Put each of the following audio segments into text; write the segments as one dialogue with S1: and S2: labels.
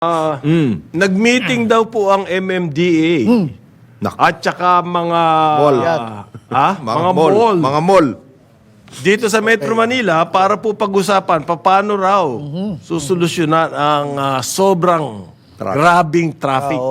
S1: Nag-meeting daw po ang MMDA at saka mga
S2: Mga mall.
S1: dito sa Metro Manila para po pag-usapan paano raw susolusyonan ang sobrang grabing traffic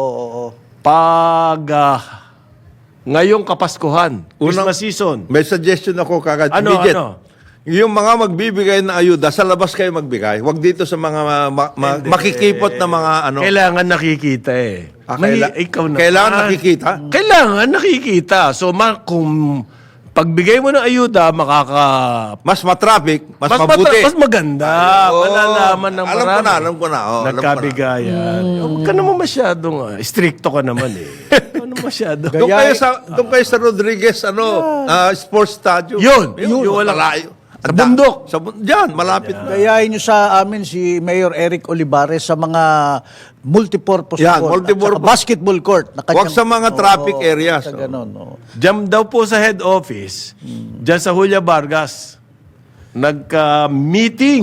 S1: pag ngayong Kapaskuhan, Christmas season.
S2: May suggestion ako kagad.
S1: Ano,
S2: immediate.
S1: ano?
S2: Yung mga magbibigay na ayuda, sa labas kayo magbigay. Huwag dito sa mga makikipot na mga ano.
S1: Kailangan nakikita eh. Ikaw na.
S2: Kailangan nakikita?
S1: Kailangan nakikita. So, kung pagbigay mo ng ayuda,
S2: Mas matraffic, mas mabuti.
S1: mas maganda. Malalaman ng marami.
S2: Alam ko na.
S1: Nagkabigayan. Huwag ka naman masyadong, stricto ka naman eh. Ano masyado?
S2: Doon kayo sa Rodriguez, sports stadium.
S1: Yun walang
S2: malayo.
S1: Sa bundok.
S2: Diyan, malapit na.
S3: Gayahin nyo sa amin si Mayor Eric Olivares sa mga multipurpose
S2: Yan,
S3: court
S2: multipurpose.
S3: at saka basketball court.
S2: Huwag sa mga traffic areas.
S3: Sa ganun,
S1: Diyan daw po sa head office, diyan sa Julia Vargas, nagka-meeting.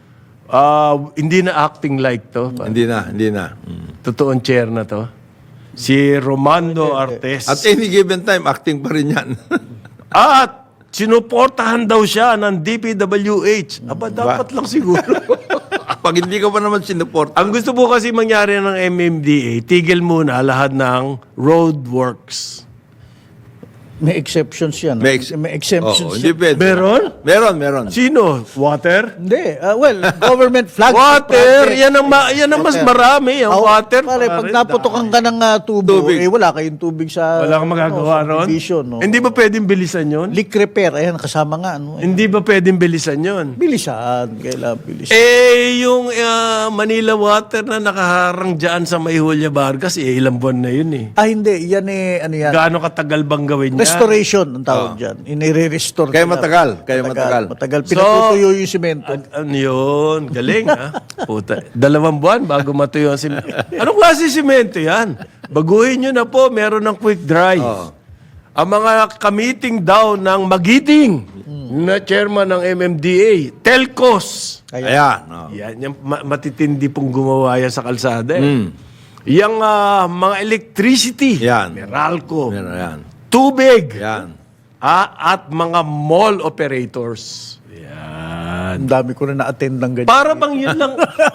S1: Hindi na acting like to.
S2: Hindi na.
S1: Totoong chair na to. Si Romando Artes.
S2: At any given time, acting pa rin yan.
S1: At sinuportahan daw siya ng DPWH. Aba, dapat lang siguro.
S2: Pag hindi ka pa naman sinuport.
S1: Ang gusto po kasi mangyari ng MMDA, tigil muna lahat ng roadworks.
S3: May exceptions yan.
S2: May
S3: exemptions
S2: hindi
S3: yan.
S2: pwede. Meron.
S1: Sino? Water?
S3: Hindi. Government flag.
S1: Water! Yan ang mas marami. Ang water.
S3: Pare, pag naputokan ka ng tubo, wala kayong tubig sa...
S1: Wala kang magagawa ron?
S3: Division,
S1: Hindi ba pwedeng bilisan yun?
S3: Leak repair. Ayan, kasama nga.
S1: Hindi ba pwedeng bilisan yun?
S3: Bilisan. Kailangan bilisan.
S1: Yung Manila Water na nakaharang dyan sa May Julia Vargas, ilang buwan na yun eh.
S3: Hindi. Yan ano yan?
S1: Gaano katagal bang gawin niya?
S3: Restoration ang tawag dyan. Inire-restore.
S2: Kaya matagal.
S3: Matagal. Pinatutuyo yung simento.
S1: Ano yun? Galing ha? Puta. 2 buwan bago matuyo ang simento. Anong klase simento yan? Baguhin nyo na po. Meron ng quick dry. Ang mga kamiting daw ng Magiting na chairman ng MMDA, Telcos.
S2: Ayan.
S1: Yan, yung matitindi pong gumawa yan sa kalsada eh. Yung mga electricity,
S2: Yan.
S1: Meralco,
S2: Yan.
S1: tubig,
S2: Yan.
S1: at mga mall operators. Yan.
S3: Ang dami ko na na-attend ng ganyan.
S1: Para bang yun lang,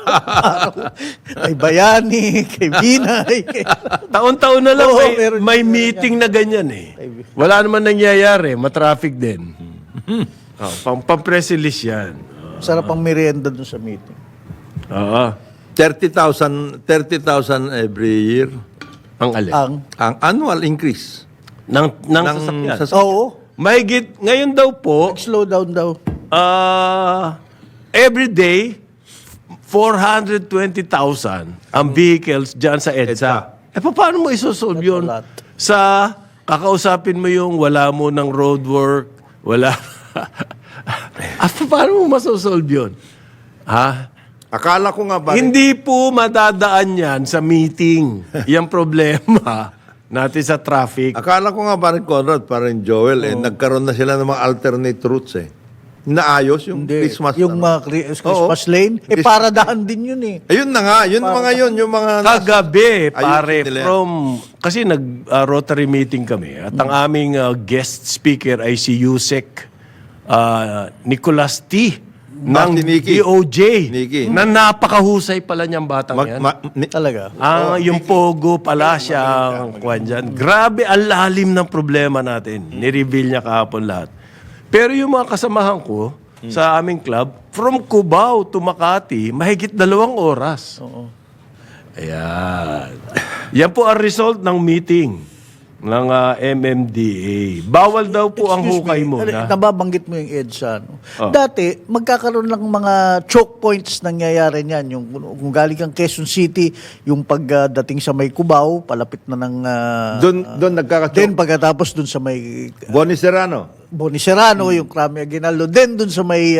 S3: Kay Bayani, kay Binay.
S1: taon-taon na lang may
S3: meron
S1: meeting na ganyan eh. Wala naman nangyayari, matraffic din. Pang-press release yan.
S3: Sarap ang merienda dun sa meeting.
S1: Oo.
S2: 30,000 every year.
S1: Ang alin?
S2: Ang annual increase.
S1: Ng sasakyan.
S3: Oo.
S1: Mahigit, ngayon daw po,
S3: Slow down daw.
S1: every day, 420,000 ang vehicles dyan sa EDSA. Paano mo isosolve yun?
S3: That's a lot.
S1: Sa kakausapin mo yung wala mo ng roadwork, wala. Paano mo masosolve yun? Ha?
S2: Akala ko nga ba?
S1: Hindi po madadaan yan sa meeting. Yung problema natin sa traffic.
S2: Akala ko nga parang Conrad, parang Joel, nagkaroon na sila ng mga alternate routes eh. Naayos yung Christmas.
S3: Yung mga Christmas lane, para daan din yun eh.
S2: Ayun na nga, yung mga...
S1: Kagabi, pare,
S2: nila yan.
S1: kasi nag-Rotary meeting kami at ang aming guest speaker ay si Yusek Nicolas T. ng
S2: Niki.
S1: DOJ
S2: Niki.
S1: na napakahusay pala niyang batang yan.
S3: Talaga.
S1: Yung Pogo pala siya ang kwan dyan. Grabe, ang lalim ng problema natin. Ni-reveal niya kahapon lahat. Pero yung mga kasamahan ko sa aming club, from Cubao to Makati, mahigit 2 oras. Ayan. Yan po ang result ng meeting ng MMDA. Bawal daw po ang hukay mo.
S3: Nababanggit mo yung EDSA. No? Dati, magkakaroon lang mga choke points nangyayari niyan. Yung, kung galing kang Quezon City, yung pagdating sa may Cubao, palapit na ng...
S2: Doon nagkakachoke.
S3: Then pagkatapos doon sa may...
S2: Boni Serrano.
S3: Yung Crame Aguinaldo. Then doon sa may...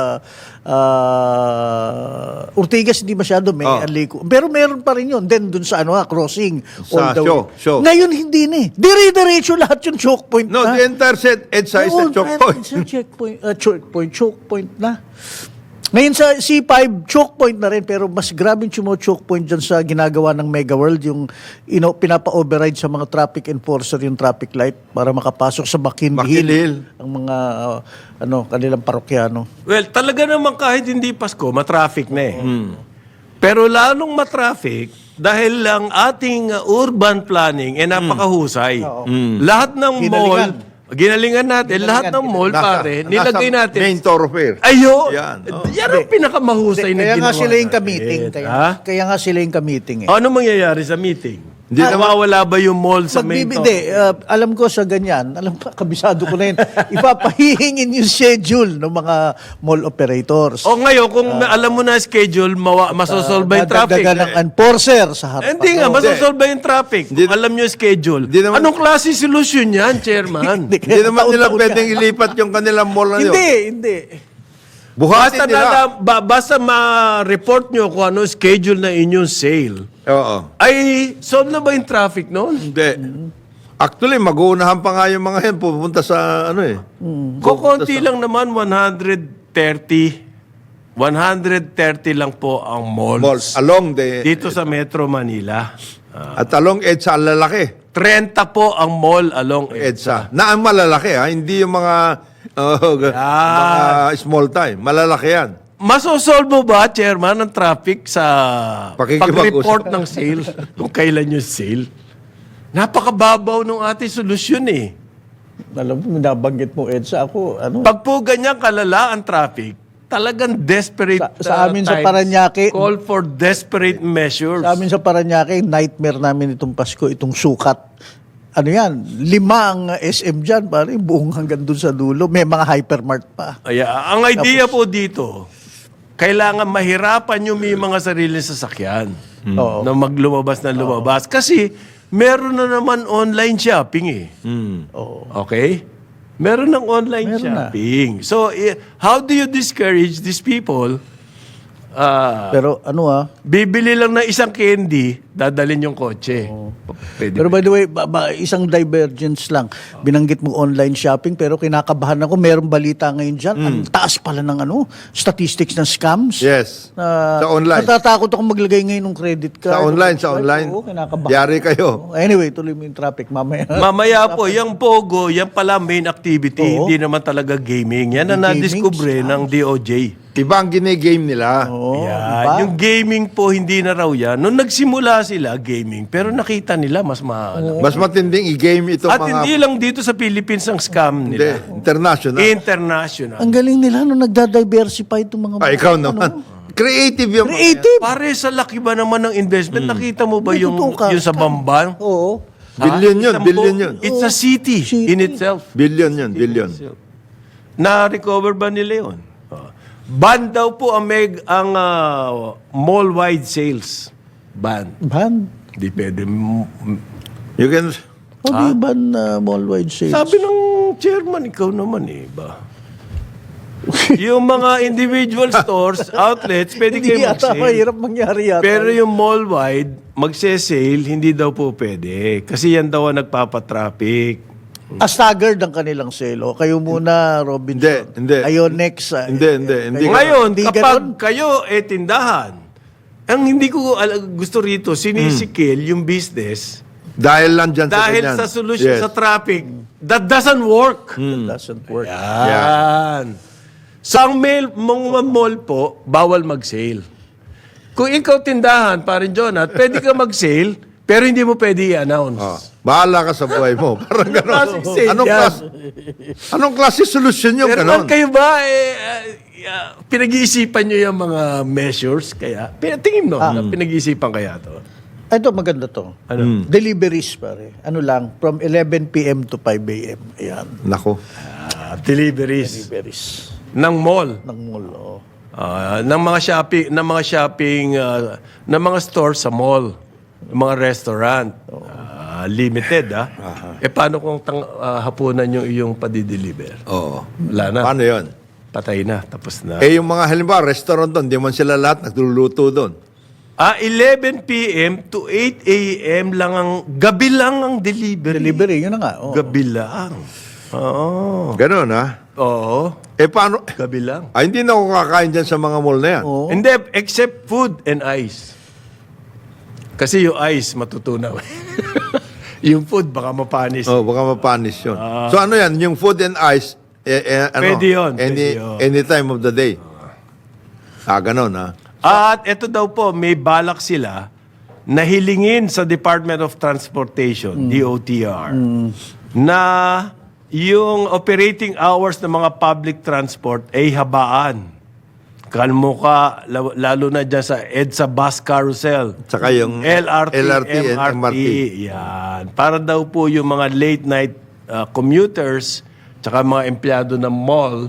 S3: Ortigas, hindi masyado may aliko. Pero meron pa rin yun. Then doon sa crossing.
S2: Sa show.
S3: Ngayon hindi na eh. Dire-diretso lahat yung choke point
S2: No,
S3: na.
S2: the entire set EDSA is a choke point.
S3: Choke point na. Ngayon sa C5, choke point na rin, pero mas grabing choke point dyan sa ginagawa ng Mega World, yung pinapa-override sa mga traffic enforcer yung traffic light para makapasok sa McKinley
S2: McKinley Hill.
S3: ang mga kanilang parokyano.
S1: Well, talaga naman kahit hindi Pasko, matraffic na eh. Pero lalong matraffic dahil lang ating urban planning napakahusay. Lahat ng
S3: Ginalingan.
S1: ginalingan natin, lahat ng mall, pare, nilagay natin.
S2: Main thoroughfare.
S1: Ayo!
S2: Yan,
S1: Yan ang pinakamahusay na
S3: Kaya
S1: ginawa
S3: nga sila yung
S1: natin.
S3: ka-meeting.
S1: Ha?
S3: Kaya nga sila yung ka-meeting eh.
S1: Ano mangyayari sa meeting?
S2: Hindi naman-
S1: Mawawala ba yung mall sa main
S3: Magbibide, alam ko sa ganyan, kabisado ko na yun, ipapahihingin yung schedule ng mga mall operators.
S1: O ngayon, kung alam mo na schedule, masosolve yung traffic.
S3: Dadagdagan ng enforcer sa harap.
S1: Hindi nga, masosolve yung traffic.
S2: Hindi-
S1: Kung alam nyo yung schedule.
S2: Hindi naman-
S1: Anong klase solusyon yan, chairman?
S2: Hindi naman nila pwedeng ilipat yung kanilang mall na yun.
S3: Hindi.
S2: Buhatin nila.
S1: Basta ma-report nyo kung ano schedule na inyong sale.
S2: Oo.
S1: Ay, solve na ba yung traffic noon?
S2: Hindi. Actually, mag-uunahan pa nga yung mga yan pupunta sa ano eh.
S1: Kukunti lang naman, 130 lang po ang malls.
S2: Malls along the...
S1: Dito sa Metro Manila.
S2: At along EDSA, ang lalaki.
S1: 30 po ang mall along
S2: EDSA. Na ang malalaki ha, hindi yung mga, mga small time. Malalaki yan.
S1: Masosolve mo ba, Chairman, ang traffic sa
S2: Pakikipag-usap.
S1: pag-report ng sale? Kung kailan yung sale? Napakababaw ng ating solusyon eh.
S3: Alam mo, nabanggit mo, Edsa, ako,
S1: Pag po ganyan kalala ang traffic, talagang desperate
S3: Sa amin sa
S1: times
S3: Parañaque-
S1: call for desperate measures.
S3: sa amin sa Parañaque, nightmare namin itong Pasko, itong sukat. Ano yan, 5 ang SM dyan, pare, buong hanggang dun sa dulo. May mga hypermart pa.
S1: Ang idea po dito, kailangan mahirapan yung may mga sarili sasakyan
S3: Oo.
S1: na lumabas. Kasi meron na naman online shopping eh.
S3: Oo.
S1: Okay? Meron ng online
S3: Meron na.
S1: shopping. So, how do you discourage these people?
S3: Pero
S1: Bibili lang ng isang candy, dadalhin yung kotse. Pwede.
S3: Pero by the way, isang divergence lang. Binanggit mo online shopping, pero kinakabahan ako. Merong balita ngayon dyan. Ang taas pala ng statistics ng scams.
S2: Yes. Sa online.
S3: Natatakot ako maglagay ngayon ng credit card.
S2: Sa online.
S3: Oo, kinakabahan.
S2: Yari kayo.
S3: Anyway, tuloy mo yung traffic mamaya.
S1: Mamaya po, yung Pogo, yan pala main activity.
S3: Oo.
S1: Hindi naman talaga gaming. Yan ang
S3: Hindi gaming,
S1: nadiskubre ng DOJ.
S2: Iba ang ginigame nila.
S3: Oo,
S1: Yan.
S3: diba?
S1: Yung gaming po, hindi na raw yan. Nung nagsimula sila, gaming, pero nakita nila mas maalam.
S2: Mas matinding i-game ito
S1: At
S2: mga...
S1: hindi lang dito sa Philippines ang scam
S2: Hindi,
S1: nila.
S2: international.
S1: International.
S3: Ang galing nila nung nagda-diversify itong mga...
S2: Ikaw naman. Creative yung...
S3: Creative.
S1: Pare, sa laki ba naman ng investment? Nakita mo ba
S3: May
S1: yung,
S3: totoo ka.
S1: yung sa Bamban?
S3: Oo.
S2: Billion yun,
S1: Isang
S2: billion yun.
S1: It's a city in itself.
S2: Billion yun, billion.
S1: Na-recover ba nila yun? Ban daw po ang mall-wide sales. Ban.
S3: Ban.
S1: Hindi pwede.
S2: You can...
S3: O di ban mall-wide sales?
S1: Sabi ng chairman, ikaw naman eh, ba? Yung mga individual stores, outlets, pwede
S3: Hindi
S1: kayo
S3: yata,
S1: mag-sale.
S3: mahirap mangyari yata.
S1: Pero yung mall-wide, magse-sale, hindi daw po pwede. Kasi yan daw ang nagpapatraffic.
S3: Staggered ang kanilang sale. O, kayo muna, Robinson.
S2: Hindi.
S3: Kayo next.
S2: Hindi.
S1: Ngayon,
S3: Hindi
S1: kapag
S3: ganon.
S1: kayo tindahan, ang hindi ko gusto rito, sinisikil yung business
S2: Dahil lang dyan sa
S1: dahil
S2: ganyan.
S1: sa solution
S2: Yes.
S1: sa traffic, that doesn't work.
S3: Doesn't work.
S1: Yan. Sa mga mall po, bawal mag-sale. Kung ikaw tindahan, parin Jonat, pwede ka mag-sale, pero hindi mo pwede i-announce.
S2: Oh, bahala ka sa buhay mo. Parang gano'n.
S1: Klaseng sale
S2: Anong klase solusyon yung
S1: Pero
S2: gano'n?
S1: kayo ba, pinag-iisipan nyo yung mga measures? Kaya, tingin mo, pinag-iisipan kaya to?
S3: Ito, maganda to. Deliveries, pare. Ano lang, from 11 p.m. to 5 a.m. Ayan.
S2: Nako.
S3: Deliveries.
S1: Deliveries ng mall.
S3: Ng mall, oh.
S1: Ng mga shopping, ng mga stores sa mall, ng mga restaurant. Limited, paano kung hapunan yung iyong padideliver?
S2: Oo.
S1: Wala na.
S2: Paano yun?
S1: Patay na. Tapos na.
S2: Eh, yung mga halimbawa, restaurant doon, di man sila lahat nagluluto doon.
S1: 11 p.m. to 8 a.m. lang gabi lang ang delivery.
S3: Delivery, yun na nga. Oh.
S1: Gabi lang. Oo.
S2: Ganon, ha?
S1: Oo,
S2: Paano?
S1: gabi lang.
S2: Hindi na ako kakain dyan sa mga mall na yan.
S3: Oo.
S1: Hindi, except food and ice. Kasi yung ice, matutunaw. Yung food, baka mapanis.
S2: Oh, baka mapanis yun. So ano yan? Yung food and ice, ano?
S1: Pwede yun, pwede yun.
S2: Any time of the day. Ganon ha.
S1: At ito daw po, may balak sila na hilingin sa Department of Transportation, DOTR, na yung operating hours ng mga public transport ay habaan. Kalmo ka, lalo na dyan sa EDSA bus carousel.
S2: Tsaka yung
S1: LRT,
S2: and
S1: MRT. Yan. Para daw po yung mga late night commuters, tsaka mga empleyado ng mall,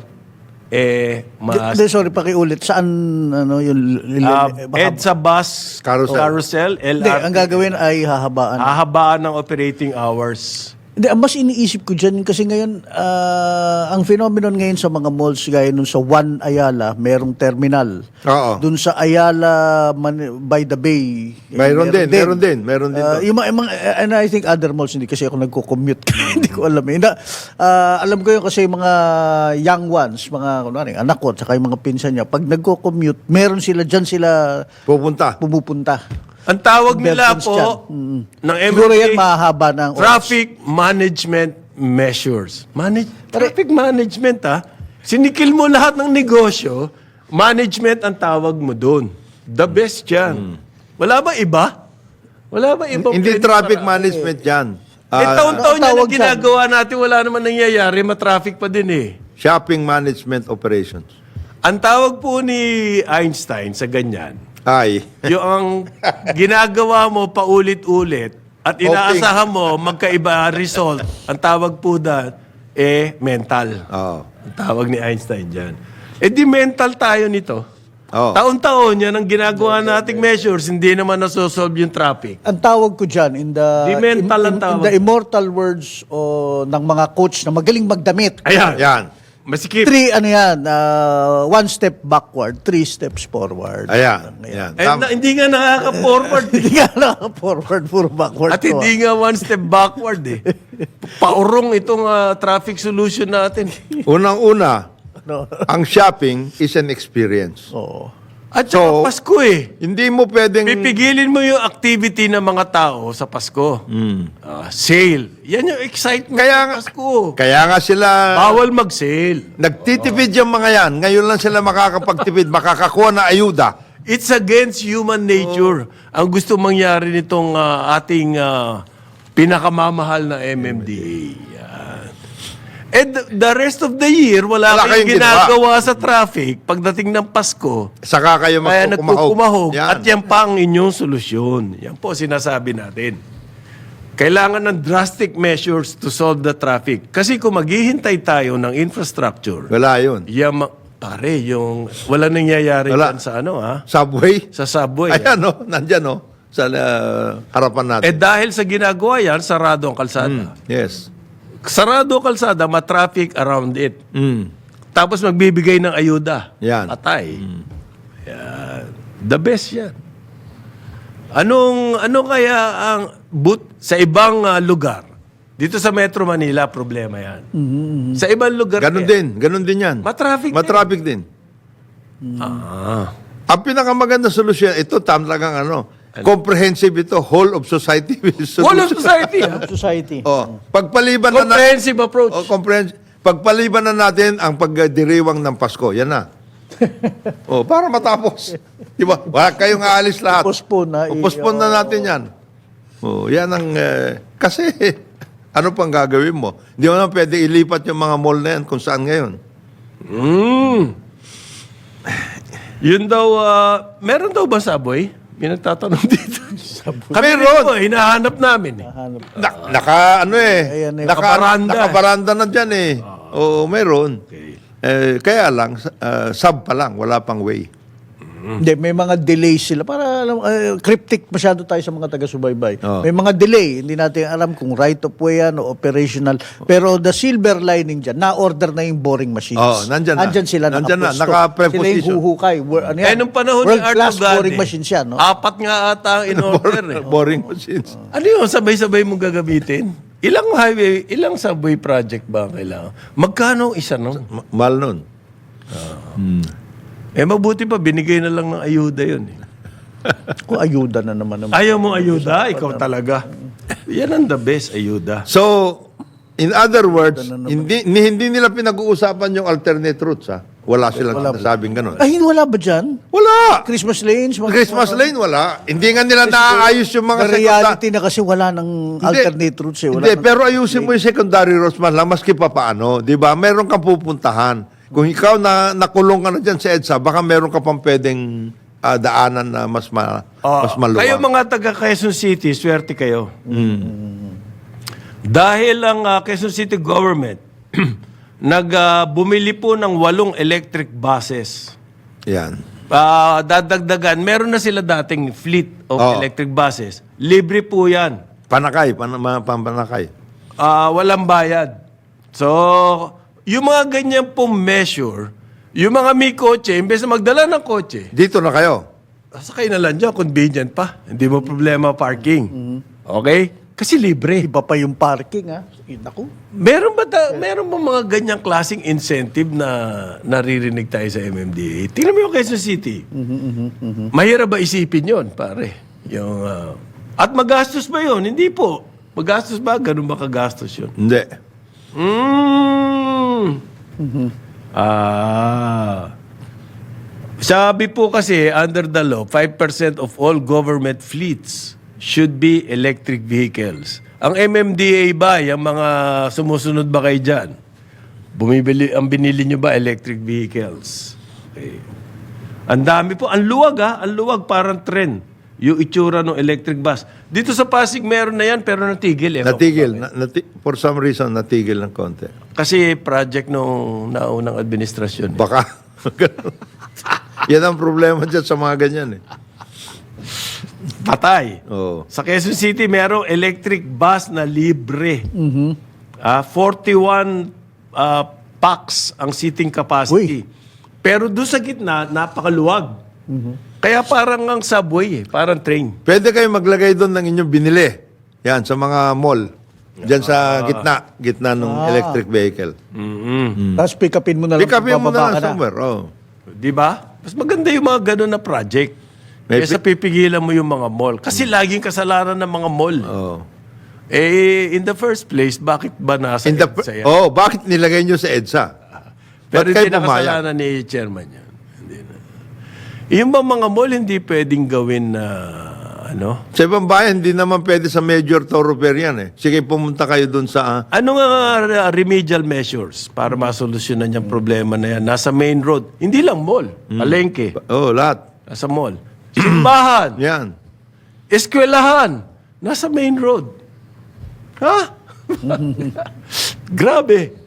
S3: Sorry, pakiulit. Saan, ano, yung...
S1: EDSA bus carousel,
S3: Hindi,
S1: LRT.
S3: ang gagawin ay hahabaan.
S1: Hahabaan ng operating hours.
S3: Hindi, ang mas iniisip ko dyan, kasi ngayon, ang phenomenon ngayon sa mga malls, gaya nun sa One Ayala, merong terminal.
S2: Oo.
S3: Dun sa Ayala, by the Bay.
S2: Meron din.
S3: Yung and I think other malls, hindi kasi ako nagko-commute. Hindi ko alam. Alam ko yun kasi mga young ones, mga kunwari, anak ko, saka yung mga pinsan niya, pag nagko-commute, meron sila dyan sila pumupunta.
S1: Ang tawag nila
S3: Belgians
S1: po
S3: dyan.
S1: ng
S3: Siguro yan
S1: MMDA,
S3: mahaba ng oras.
S1: Traffic Management Measures. Traffic Management, Sinikil mo lahat ng negosyo, management ang tawag mo doon. The best yan. Wala ba iba? Wala ba iba?
S2: Hindi traffic management yan.
S1: taon-taon yan ang
S3: tawag dyan.
S1: ginagawa natin, wala naman nangyayari, matraffic pa din eh.
S2: Shopping management operations.
S1: Ang tawag po ni Einstein sa ganyan,
S2: Ay.
S1: yung ang ginagawa mo paulit-ulit at inaasahan mo magkaiba result, ang tawag po mental.
S2: Oo.
S1: Ang tawag ni Einstein dyan. Di mental tayo nito.
S2: Oo.
S1: Taon-taon yan ang ginagawa nating measures, hindi naman nasosolve yung traffic.
S3: Ang tawag ko dyan, in the in the immortal words ng mga coach na magaling magdamit.
S1: Ayan.
S2: Yan.
S1: Masikip.
S3: 1 step backward, 3 steps forward.
S2: Ayan.
S1: Hindi nga nakaka-forward.
S3: Hindi nga forward, puro backward.
S1: At hindi nga one step backward eh. Paurong itong traffic solution natin.
S2: Unang-una, ang shopping is an experience.
S3: Oo.
S1: At saka Pasko eh.
S2: Hindi mo pwedeng...
S1: Pipigilin mo yung activity ng mga tao sa Pasko. Sale. Yan yung excitement ng Pasko.
S2: Kaya nga sila...
S1: Bawal mag-sale.
S2: Nagtitipid yung mga yan. Ngayon lang sila makakapagtipid, makakakuha na ayuda.
S1: It's against human nature. Ang gusto mangyari nitong ating pinakamamahal na MMDA. Yan. And the rest of the year, wala kayong ginagawa sa traffic pagdating ng Pasko.
S2: Saka kayo
S1: Kaya nagkukumahog.
S2: Yan.
S1: At yan pa ang inyong solusyon. Yan po sinasabi natin. Kailangan ng drastic measures to solve the traffic. Kasi kung maghihintay tayo ng infrastructure,
S2: Wala yun.
S1: pare, yung wala nangyayari dyan sa
S2: Subway?
S1: sa subway.
S2: Ayan nandyan sa harapan natin.
S1: Dahil sa ginagawa yan, sarado ang kalsada.
S2: Yes.
S1: Sarado ang kalsada, matraffic around it. Tapos magbibigay ng ayuda.
S2: Yan.
S1: Patay. Yan. The best yan. Ano kaya ang sa ibang lugar? Dito sa Metro Manila, problema yan. Sa ibang lugar,
S2: Ganon din yan.
S1: Matraffic
S2: din. Ang pinakamaganda solusyon, ito talagang comprehensive ito, whole of society.
S1: Whole of society.
S3: Society.
S2: Pagpaliban
S1: Comprehensive approach.
S2: Pagpaliban na natin ang pagdiriwang ng Pasko. Yan na. Para matapos. Di ba? Wala kayong aalis lahat. Postpone na natin yan. Yan ang... kasi, ano pang gagawin mo? Hindi mo na pwede ilipat yung mga mall na yan kung saan ngayon.
S1: Yun daw, meron daw ba subway? May nagtatanong dito.
S2: Meron.
S1: Hinahanap namin eh.
S2: Nakabaranda na dyan eh. Oo, meron.
S1: Okay.
S2: Kaya lang, sub pa lang, wala pang way.
S3: Hindi, may mga delays sila. Para cryptic masyado tayo sa mga taga-subaybay. May mga delay. Hindi natin alam kung right of way yan o operational. Pero the silver lining dyan, na-order na yung boring machines.
S2: Nandyan
S3: sila
S2: Nandyan na,
S3: nakapresto.
S2: naka-preposition.
S3: Sila yung huhukay.
S1: Nung panahon ni Art
S3: World-class
S1: Ogade,
S3: boring machines yan. No?
S1: 4 nga ata ang in-order eh.
S2: Boring machines.
S1: Ano yun? Sabay-sabay mong gagamitin? Ilang highway, ilang subway project ba ang kailangan? Magkano ang isa nun?
S2: Mahal nun.
S1: Mabuti pa, binigay na lang ng ayuda yun.
S3: Kung ayuda na naman.
S1: Ayaw mo ayuda? Ikaw talaga. Yan ang the best, ayuda.
S2: So, in other words, hindi nila pinag-uusapan yung alternate routes, ha? Wala silang nasabing ganun.
S3: Ay, wala ba dyan?
S2: Wala!
S3: Christmas lanes?
S2: Christmas lane, wala. Hindi nga nila naaayos yung mga
S3: The reality na kasi wala ng alternate routes eh. Wala
S2: Hindi, pero ayusin mo yung secondary roads man lang, maski pa paano. Di ba? Meron kang pupuntahan. Kung ikaw nakulong ka na dyan sa EDSA, baka meron ka pang pwedeng daanan na mas maluwag.
S1: Kayo mga taga Quezon City, swerte kayo. Dahil ang Quezon City government bumili po ng 8 electric buses.
S2: Yan.
S1: Dadagdagan, meron na sila dating fleet of
S2: Oh.
S1: electric buses. Libre po yan.
S2: Panakay, panakay.
S1: Walang bayad. So, yung mga ganyan pong measure, yung mga may kotse, imbes na magdala ng kotse,
S2: Dito na kayo.
S1: sakay na lang dyan, convenient pa. Hindi mo problema parking. Okay? Kasi libre.
S3: Iba pa yung parking, ha? Naku.
S1: Meron ba mga ganyang klaseng incentive na naririnig tayo sa MMDA? Tingnan mo yung Quezon City. Mahirap ba isipin yon, pare? Yung, at magastos ba yon? Hindi po. Magastos ba? Ganun ba kagastos yun?
S2: Hindi.
S1: Sabi po kasi, under the law, 5% of all government fleets should be electric vehicles. Ang MMDA ba, yung mga sumusunod ba kayo dyan? Ang binili nyo ba, electric vehicles? Okay. Ang dami po. Ang luwag ang luwag, parang trend. Yung itsura ng electric bus. Dito sa Pasig, meron na yan, pero natigil.
S2: Natigil. For some reason, natigil ng konti.
S1: Kasi project nung naunang administrasyon.
S2: Baka. Yan ang problema dyan sa mga ganyan eh.
S1: Patay.
S2: Oo.
S1: Sa Quezon City, merong electric bus na libre. 41 packs ang seating capacity. Pero doon sa gitna, napakaluwag. Kaya parang ang subway parang train.
S2: Pwede kayo maglagay doon ng inyong binili. Yan, sa mga mall. Diyan sa gitna ng electric vehicle.
S3: Tapos pick upin mo na lang.
S2: Pick upin mo
S3: bababa
S2: na
S3: ka
S2: lang somewhere. Oh.
S1: Di ba? Mas maganda yung mga ganun na project. Kaysa pipigilan mo yung mga mall. Kasi laging kasalanan ng mga mall.
S2: Oh.
S1: In the first place, bakit ba nasa EDSA yan?
S2: Bakit nilagay nyo sa EDSA?
S1: Pero
S2: Ba't
S1: hindi
S2: kayo
S1: na kasalanan ni chairman yan. Hindi na. Yung ba mga mall, hindi pwedeng gawin na
S2: Sa ibang bayan, hindi naman pwede sa major thoroughfare yan eh. Sige, pumunta kayo doon sa...
S1: Ano nga remedial measures para masolusyonan yung problema na yan? Nasa main road. Hindi lang mall. Palengke.
S2: lahat.
S1: Nasa mall. Simbahan.
S2: Yan.
S1: Eskwelahan. Nasa main road. Ha? Grabe.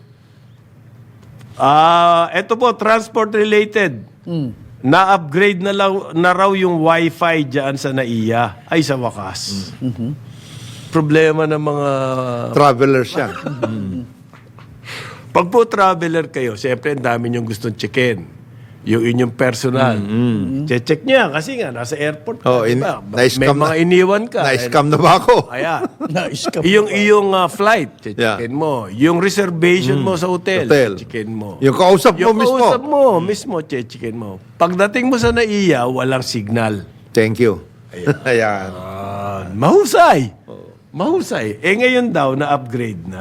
S1: Ito po, transport-related. Na-upgrade na raw yung wifi dyan sa NAIA. Ay, sa wakas. Problema ng mga...
S2: Travelers yan.
S1: Pag po traveler kayo, siyempre ang dami niyong gustong checkin. Yung inyong personal. Check niya kasi nga, nasa airport ka. Diba? May mga iniwan ka.
S2: Na-scam na ba ako?
S1: Ayan.
S3: Na-scam
S1: Iyong flight, checkin mo. Yung reservation mo sa hotel, checkin mo.
S2: Yung kausap mo mismo.
S1: Yung kausap mo mismo, checkin mo. Pagdating mo sa NAIA, walang signal.
S2: Thank you. Ayan.
S1: Mahusay. Mahusay. Ngayon daw, na-upgrade na.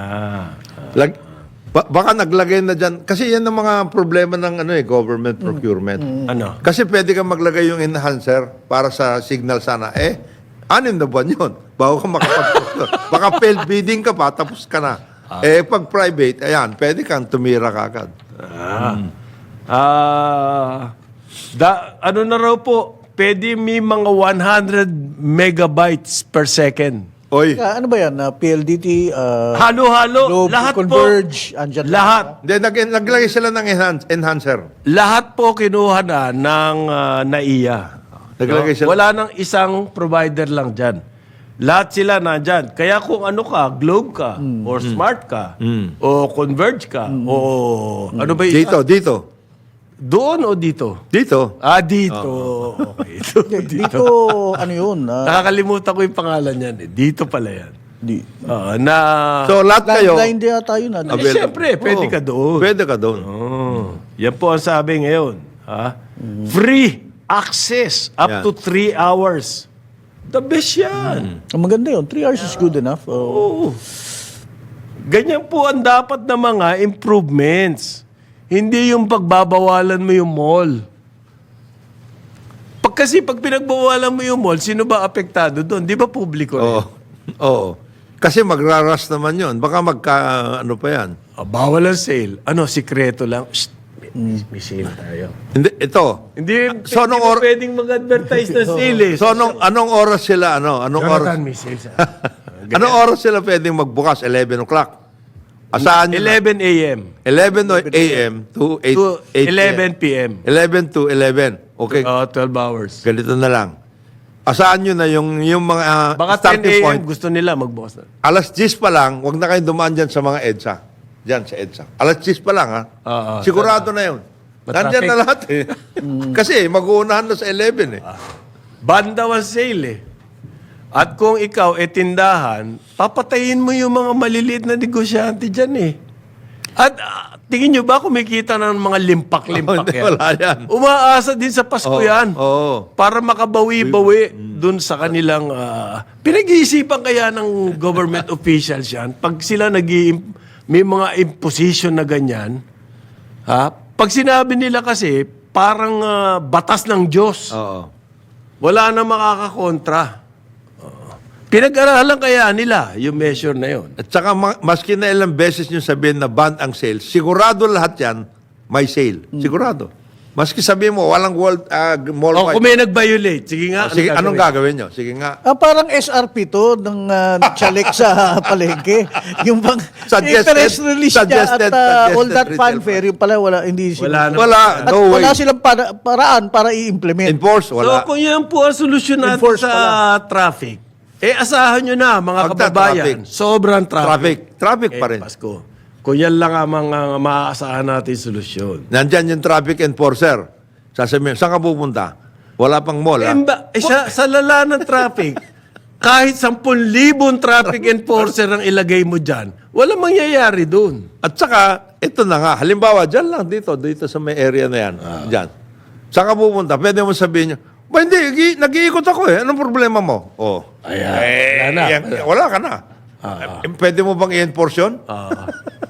S2: Baka naglagay na dyan. Kasi yan ang mga problema ng government procurement.
S1: Ano?
S2: Kasi pwede kang maglagay yung enhancer para sa signal sana. 6 na buwan yun. Bago ka baka failed bidding ka pa, tapos ka na. Pag private, ayan, pwede kang tumira kagad.
S1: Ano na raw po, pwede may mga 100 megabytes per second.
S2: Oy.
S3: Ano ba yan? PLDT?
S1: Halo-halo.
S3: Globe,
S1: Lahat
S3: Converge,
S1: po.
S3: andyan
S1: Lahat.
S2: Then, naglagay sila ng enhancer.
S1: Lahat po kinuha na ng NAIA.
S2: Naglagay sila.
S1: Wala nang isang provider lang dyan. Lahat sila nandyan. Kaya kung ano ka, Globe ka, or Smart ka, o Converge ka, o ano ba yung isa?
S2: Dito.
S1: Doon o dito?
S2: Dito.
S1: Dito. Okay. Dito.
S3: Dito, ano yun?
S1: Nakakalimutan ko yung pangalan yan. Dito pala yan. na...
S2: So, lahat kayo,
S3: Landline din yata yun.
S1: Siyempre, pwede ka doon.
S2: Pwede ka doon.
S1: Yan po ang sabi ngayon. Free access up
S2: Yan.
S1: to 3 hours. The best yan.
S3: Ang maganda yun. 3 hours is good enough.
S1: Oo. Ganyan po ang dapat na mga improvements. Hindi yung pagbabawalan mo yung mall. Kasi pag pinagbawalan mo yung mall, sino ba apektado doon? Di ba publiko?
S2: Oo. Oo. Kasi magraras naman yon. Baka ano pa yan.
S1: Bawal ang sale. Ano, sikreto lang. Shh, may sale tayo.
S2: Hindi, ito.
S1: Hindi,
S2: So,
S1: hindi mo pwedeng mag-advertise na sale eh.
S2: So, anong oras sila, Anong oras?
S1: Jonathan, may sale sa...
S2: Anong oras sila pwedeng magbukas? 11 o'clock. Asahan nyo
S1: 11 a.m.
S2: 11 a.m. to 8,
S1: to 11 p.m.
S2: 11 to 11. Okay.
S1: 12 hours.
S2: Ganito na lang. Asahan nyo na yung mga
S1: Baka 10
S2: starting
S1: a.m.
S2: point.
S1: gusto nila magbukas na.
S2: Alas 10 pa lang, huwag na kayong dumaan dyan sa mga EDSA. Diyan sa EDSA. Alas 10 pa lang, ha?
S1: Oo,
S2: Sigurado na yun. Nandyan na lahat, eh. Kasi mag-uunahan na sa 11, eh.
S1: Banda ang sale eh. At kung ikaw tindahan, papatayin mo yung mga maliliit na negosyante dyan eh. At tingin nyo ba kumikita ng mga limpak-limpak
S2: Hindi,
S1: yan?
S2: wala yan.
S1: Umaasa din sa Pasko yan.
S2: Oo.
S1: Para makabawi-bawi dun sa kanilang... pinag-iisipan kaya ng government officials yan. Pag sila may mga imposition na ganyan, pag sinabi nila kasi, parang batas ng Diyos.
S2: Oo.
S1: Wala na makakakontra. Pinag-aralan kaya nila yung measure na yun.
S2: At saka, maski na ilang beses nyo sabihin na ban ang sale, sigurado lahat yan may sale. Sigurado. Maski sabihin mo, walang mall
S1: O kung may nag-violate, sige nga.
S2: Sige, anong gagawin nyo? Sige nga.
S3: Parang SRP to ng chalik sa palengke. Yung bang
S2: Suggested-
S3: interest release niya at
S2: suggested
S3: all that
S2: retail
S3: fanfare, yung pala wala, hindi
S1: Wala na.
S2: Wala.
S3: At
S2: No way.
S3: wala silang paraan para i-implement.
S2: Enforce, wala.
S1: So kung yan po ang solusyon natin
S3: Enforce
S1: sa traffic, asahan nyo na mga
S2: Pagka
S1: kababayan,
S2: traffic.
S1: sobrang traffic.
S2: Traffic pa rin.
S1: Pasko. Kung yan lang ang mga maaasahan natin solusyon.
S2: Nandyan yung traffic enforcer. Sasabihin, saan ka pupunta? Wala pang mall, ha?
S1: Sa lala ng traffic, kahit 10,000 traffic enforcer ang ilagay mo dyan, walang mangyayari dun.
S2: At saka, ito na nga, halimbawa, dyan lang, dito sa may area na yan. Dyan. Saan ka pupunta? Pwede mo sabihin nyo, ba hindi, nag-iikot ako eh. Anong problema mo? Oh.
S1: Ayan. Wala na.
S2: Wala ka na. Pwede mo bang i-enforce yun?